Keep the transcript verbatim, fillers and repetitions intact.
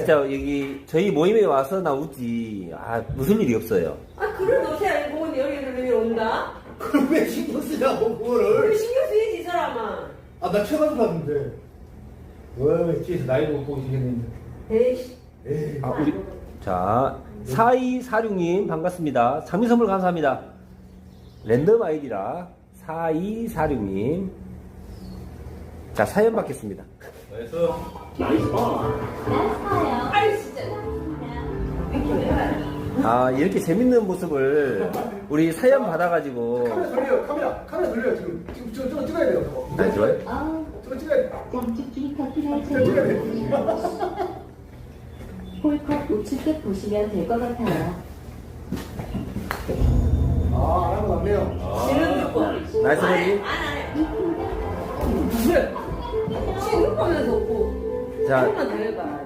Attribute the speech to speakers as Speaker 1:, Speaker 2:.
Speaker 1: 진짜 여기 저희 모임에 와서 나 웃지. 아, 무슨 일이 없어요.
Speaker 2: 아, 그걸 너새 알고 여기를 왜 온다?
Speaker 3: 그걸 왜 신경 쓰냐고,
Speaker 2: 그걸
Speaker 3: 그거를.
Speaker 2: 신경 쓰이지, 이 사람아.
Speaker 3: 아, 나 최근 봤는데. 왜, 뒤에서 나이도 못 보고 지겠는데.
Speaker 2: 에이씨.
Speaker 3: 에이.
Speaker 1: 아, 우리 자, 사이사육 님 반갑습니다. 장미 선물 감사합니다. 랜덤 아이디라 사이사육 님. 자, 사연 받겠습니다.
Speaker 3: 나이스.
Speaker 2: 아이, 진짜.
Speaker 1: 아, 이렇게 재밌는 모습을 우리 사연 받아가지고.
Speaker 3: 카메라 돌려요, 카메라. 카메라 돌려요, 지금. 지금 저, 저거 찍어야 돼요, 저거.
Speaker 1: 네, 좋아요.
Speaker 3: 저거 찍어야 돼.
Speaker 4: 짱쭈쭈이 커피를
Speaker 3: 저거 찍어야 돼.
Speaker 4: 홀컵 우측에 보시면 될 것 같아요.
Speaker 3: 아, 안 하고 났네요.
Speaker 2: 지는 듣고.
Speaker 1: 나이스 버디.
Speaker 2: 안, 안 해. 왜? 지는 거면서 없고.
Speaker 1: 자.
Speaker 2: 조금만 더 해봐.